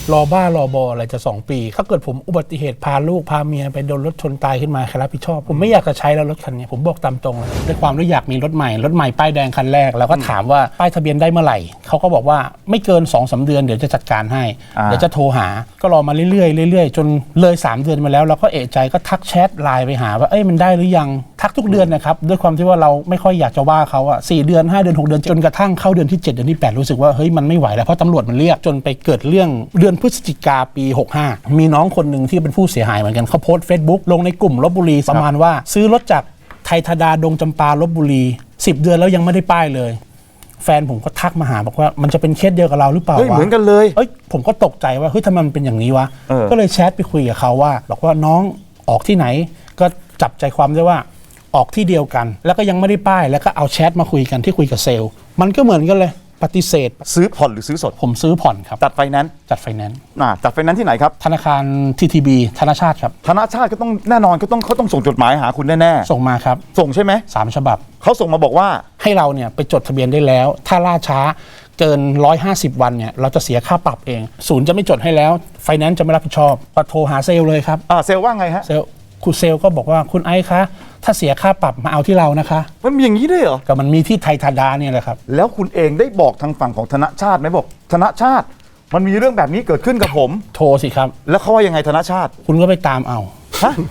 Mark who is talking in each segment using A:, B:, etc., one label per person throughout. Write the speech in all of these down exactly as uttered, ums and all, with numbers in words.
A: รอบ้ารอบออะไรจะสองปีถ้าเกิดผมอุบัติเหตุพาลูกพาเมียไปโดนรถชนตายขึ้นมาใครรับผิดชอบผมไม่อยากจะใช้แล้วรถคันนี้ผมบอกตามตรงเลยด้วยความที่อยากมีรถใหม่รถใหม่ป้ายแดงคันแรกแล้วก็ถามว่าป้ายทะเบียนได้เมื่อไหร่เขาก็บอกว่าไม่เกิน สองถึงสาม เดือนเดี๋ยวจะจัดการให้เดี๋ยวจะโทรหาก็รอมาเรื่อยๆเรื่อยๆจนเลยสามเดือนมาแล้วเราก็เอะใจก็ทักแชทไลน์ไปหาว่าเอ้ยมันได้หรือยังทักทุกเดือนนะครับด้วยความที่ว่าเราไม่ค่อยอยากจะว่าเขาอะสี่เดือนห้าเดือนหกเดือนจนกระทั่งเข้าเดือนที่เจ็ดเดือนที่แปดรู้สึกว่าเฮ้ยมันไม่ไหวแล้วเพราะตำรวจมันเรียกจนไปเกิดเรื่องเดือนพฤศจิกาปีหกห้ามีน้องคนหนึ่งที่เป็นผู้เสียหายเหมือนกันเขาโพสต์ Facebook ลงในกลุ่มลพบุรีประมาณว่าซื้อรถจากไทยธดาดงจำปาลพบุรีสิบเดือนแล้วยังไม่ได้ป้ายเลยแฟนผมก็ทักมาหาบอกว่ามันจะเป็นเคสเดียวกับเราหรือเปล่า
B: เฮ้ยเหมือนกันเลย
A: เอ้ยผมก็ตกใจว่าเฮ้ยทำไมมันเป็นอย่างนี้วะก็เลยแชทไปคุยกับเขาว่าบอกว่าน้องออกที่ไหนก็จับใจความได้ว่าออกที่เดียวกันแล้วก็ยังไม่ได้ป้ายแล้วก็เอาแชทมาคุยกันที่คุยกับเซลล์มันก็เหมือนกันเลยปฏิเสธ
B: ซื้อผ่อนหรือซื้อสด
A: ผมซื้อผ่อนครับ
B: จัดไฟแนนซ์
A: จัดไฟแนนซ์
B: อ่าจัดไฟแนนซ์ที่ไหนครับ
A: ธนาคาร ที ที บี ธนาชาติครับ
B: ธนาชาติก็ต้องแน่นอนก็ต้องเขาต้องส่งจดหมายหาคุณแน่
A: ๆส่งมาครับ
B: ส่งใช่ไหม
A: สามฉบับ
B: เขาส่งมาบอกว่า
A: ให้เราเนี่ยไปจดทะเบียนได้แล้วถ้าล่าช้าเกินหนึ่งร้อยห้าสิบวันเนี่ยเราจะเสียค่าปรับเองศูนย์จะไม่จดให้แล้วไฟแนนซ์จะไม่รับผิดชอบก็โทรหาเซลล์เลยครับ
B: อ่าเซลล์ว่าไงฮะ
A: เซลล์คุณเซลล์ก็บอกว่าคุณไอซ์คะถ้าเสียค่าปรับมาเอาที่เรานะคะ
B: มันมีอย่างนี้ด้วยเหรอ
A: ก็มันมีที่ไทยธดาเนี่ยแหละครับ
B: แล้วคุณเองได้บอกทางฝั่งของธนชาติไหมบอกธนชาติมันมีเรื่องแบบนี้เกิดขึ้นกับผม
A: โทรสิครับ
B: แล้วเขาว่ายังไงธนชาติ
A: คุณก็ไปตามเอาฮะ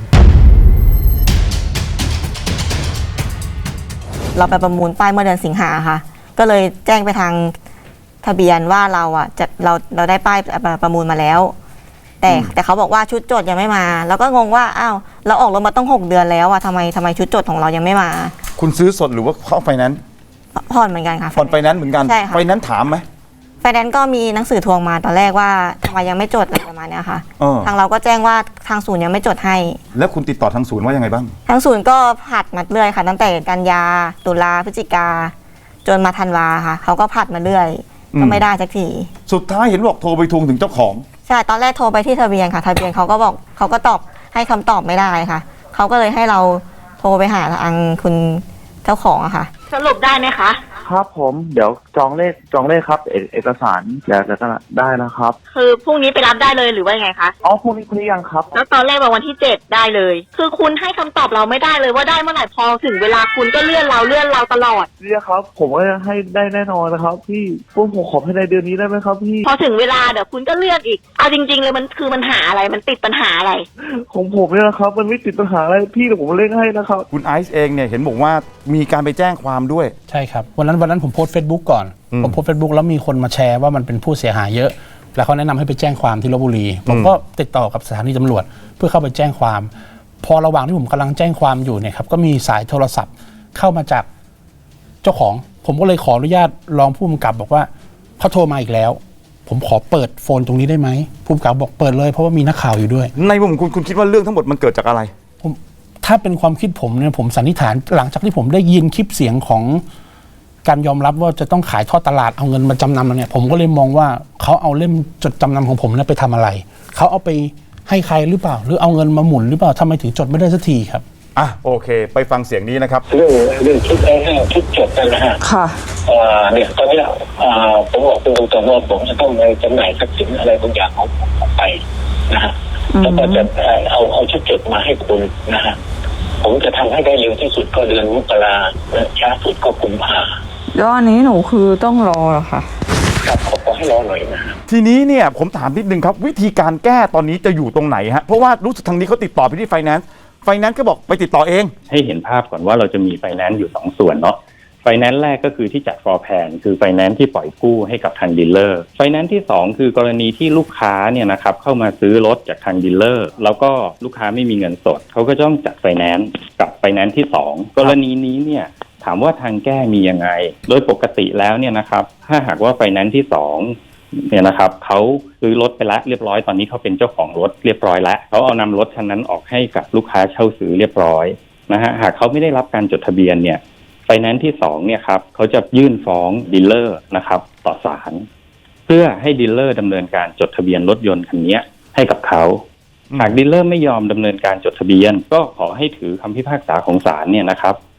C: เราไปประมูลป้ายเมื่อเดือนสิงหาค่ะก็เลยแจ้งไปทางทะเบียนว่าเราอ่ะจะเราเราได้ป้ายประมูลมาแล้วแต่แต่เขาบอกว่าชุดจดยังไม่มาแล้วก็งงว่าอ้าวเราออกรถมาต้องหกเดือนแล้วอ่ะทำไมทำไมชุดจดของเรายังไม่มา
B: คุณซื้อสดหรือว่าเข้าไฟแนนซ์
C: ผ่อนเหมือนกันค่ะ
B: ผ่อนไฟแนนซ์เหมือนกัน
C: ใช่ค่ะ
B: ไฟแนนซ์ถามไหม
C: ไฟแนนซ์ก็มีหนังสือทวงมาตอนแรกว่าทำไมยังไม่จดอะไรประมาณนี้ค่ะทางเราก็แจ้งว่าทางศูนย์ยังไม่จดให้
B: แล้วคุณติดต่อทางศูนย์ว่ายังไงบ้าง
C: ทางศูนย์ก็ผัดมาเรื่อยค่ะตั้งแต่กันยาตุลาพฤศจิกาจนมาธันวาค่ะเขาก็ผัดมาเรื่อยก็ไม่ได้สักที
B: สุดท้ายเห็นบอกโทรไปทวงถึงเจ้าของ
C: ใช่ตอนแรกโทรไปที่ทะเบียนค่ะทะเบียนเขาก็บอกเขาก็ตอบให้คำตอบไม่ได้ค่ะเขาก็เลยให้เราโทรไปหาทางคุณเจ้าของอะค่ะ
D: สรุปได้ไหมคะ
E: ครับผมเดี๋ยวจองเลขจองเลขครับเอเอกสารเดี๋ยวจะได้นะครับ
D: คือพรุ่งนี้ไปรับได้เลยหรือว่าไงคะ
E: อ๋อพรุ่งนี้พรุ่งนี้ยังครับ
D: แล้วตอนแรกบอกวันที่เจ็ดได้เลยคือคุณให้คำตอบเราไม่ได้เลยว่าได้เมื่อไหร่พอถึงเวลาคุณก็เลื่อนเราเลื่อนเราตลอด
E: เรียกครับผมก็ให้ได้แน่นอนนะครับพี่พวกผมขอภายในเดือนนี้ได้ไหมครับพี่
D: พอถึงเวลาเดี๋ยวคุณก็เลื่อนอีกเอาจริงๆเลยมันคือมันหาอะไรมันติดปัญหาอะไร
E: ของผมเนี่ยนะครับมันไม่ติดปัญหาอะไรพี่แต่ผมเล่นให้นะครับ
B: คุณไอซ์เองเนี่ยเห็นบอกว่ามีการไปแจ้งความด้วย
A: ใช่ครับวันนั้นวันนั้นผมโพสต์เฟซบุ๊กก่อนผมโพสต์เฟซบุ๊กแล้วมีคนมาแชร์ว่ามันเป็นผู้เสียหายเยอะแล้วเขาแนะนำให้ไปแจ้งความที่ลพบุรีผมก็ติดต่อกับสถานีตำรวจเพื่อเข้าไปแจ้งความพอระหว่างที่ผมกำลังแจ้งความอยู่เนี่ยครับก็มีสายโทรศัพท์เข้ามาจากเจ้าของผมก็เลยขออนุญาตรองผู้กำกับบอกว่าเขาโทรมาอีกแล้วผมขอเปิดโฟนตรงนี้ได้ไหมผู้กำกับบอกเปิดเลยเพราะว่ามีนักข่าวอยู่ด้วย
B: ในมุมคุณคุณคิดว่าเรื่องทั้งหมดมันเกิดจากอะไร
A: ผมถ้าเป็นความคิดผมเนี่ยผมสันนิษฐานหลังจากที่ผมได้ยินคลิปเสียงของการยอมรับว่าจะต้องขายทอดตลาดเอาเงินมาจำนำแล้วเนี่ยผมก็เลยมองว่าเขาเอาเล่มจดจำนำของผมเนี่ยไปทำอะไรเขาเอาไปให้ใครหรือเปล่าหรือเอาเงินมาหมุนหรือเปล่าทำไมถึงจดไม่ได้สักทีครับ
B: อ่ะโอเคไปฟังเสียงนี้นะครับ
F: เรื่องเรื่องชุดแอ้ชุดจดกันนะฮะ
C: ค่ะ
F: อ่าเนี่ยตอนนี้อ่าผมบอกคุณตรงๆว่าผมจะต้องไปจำหน่ายทรัพย์สินอะไรบางอย่างของผมออกไปนะฮะแล้วก็จะเอาเอาชุดจดมาให้คุณนะฮะผมจะทำให้ได้เร็วที่สุดก็เดือนมกราช้าสุดก็กุมภา
C: แล้วอันนี้หนูคือต้องรอเหรอคะ
F: ครับขอให้รอหน่อยนะ
B: ทีนี้เนี่ยผมถามนิดนึงครับวิธีการแก้ตอนนี้จะอยู่ตรงไหนฮะเพราะว่ารู้สึกทางนี้เขาติดต่อไปที่ไฟแนนซ์ไฟแนนซ์ก็บอกไปติดต่อเอง
G: ให้เห็นภาพก่อนว่าเราจะมีไฟแนนซ์อยู่สองส่วนเนาะไฟแนนซ์แรกก็คือที่จัดฟลอร์แพลนคือไฟแนนซ์ที่ปล่อยกู้ให้กับทางดีลเลอร์ไฟแนนซ์ที่สองคือกรณีที่ลูกค้าเนี่ยนะครับเข้ามาซื้อรถจากทางดีลเลอร์แล้วก็ลูกค้าไม่มีเงินสดเขาก็ต้องจัดไฟแนนซ์กับไฟแนนซ์ที่สองกรณีนี้เนี่ยถามว่าทางแก้มียังไงโดยปกติแล้วเนี่ยนะครับถ้าหากว่าไฟแนนซ์ที่สองเนี่ยนะครับเขาซื้อรถไปแล้วเรียบร้อยตอนนี้เขาเป็นเจ้าของรถเรียบร้อยแล้วเขาเอานำรถคันนั้นออกให้กับลูกค้าเช่าซื้อเรียบร้อยนะฮะหากเขาไม่ได้รับการจดทะเบียนเนี่ยไฟแนนซ์ที่สองเนี่ยครับเขาจะยื่นฟ้องดีลเลอร์นะครับต่อศาลเพื่อให้ดีลเลอร์ดำเนินการจดทะเบียนรถยนต์คันนี้ให้กับเขาหากดีลเลอร์ไม่ยอมดำเนินการจดทะเบียนก็ขอให้ถือคำพิพากษาของศาลเนี่ยนะครับแท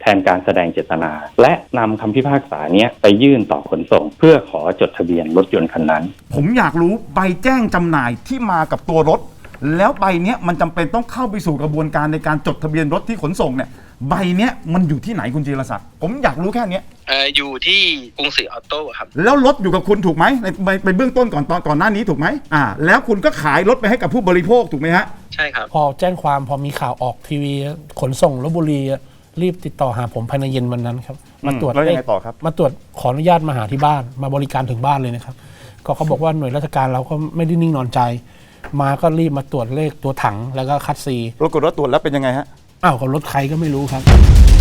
G: แทนการแสดงเจตนา และนำคำพิพากษาเนี้ยไปยื่นต่อขนส่ง เพื่อขอจดทะเบียนรถยนต์คันนั้น
B: ผมอยากรู้ใบแจ้งจำหน่ายที่มากับตัวรถ แล้วใบเนี้ยมันจำเป็นต้องเข้าไปสู่กระบวนการในการจดทะเบียนรถที่ขนส่งเนี่ยใบเนี้ยมันอยู่ที่ไหนคุณจีรศักดิ์ผมอยากรู้แค่เนี้ย
H: เอ่ออยู่ที่กรุงศรีออโต้ครับ
B: แล้วรถอยู่กับคุณถูกไหมในในในเบื้องต้นก่อนตอนก่อนหน้านี้ถูกไหมอ่าแล้วคุณก็ขายรถไปให้กับผู้บริโภคถูกไหมฮะ
H: ใช่ครับ
A: พอแจ้งความพอมีข่าวออกทีวีขนส่งลพบุรีรีบติดต่อหาผมภายในเย็นวันนั้นครับมาตรวจ
B: แล้วยังไงต่อครับ
A: มาตรวจขออนุญาตมาหาที่บ้านมาบริการถึงบ้านเลยนะครับก็เขาบอกว่าหน่วยราชการเราก็ไม่ได้นิ่งนอนใจ มาก็รีบมาตรวจเลขตัวถังแล้วก็คัดซี
B: ปรากฏว่าตรวจแล้วเป็นยังไงฮะ
A: อ้าวก็รถใครก็ไม่รู้ครับ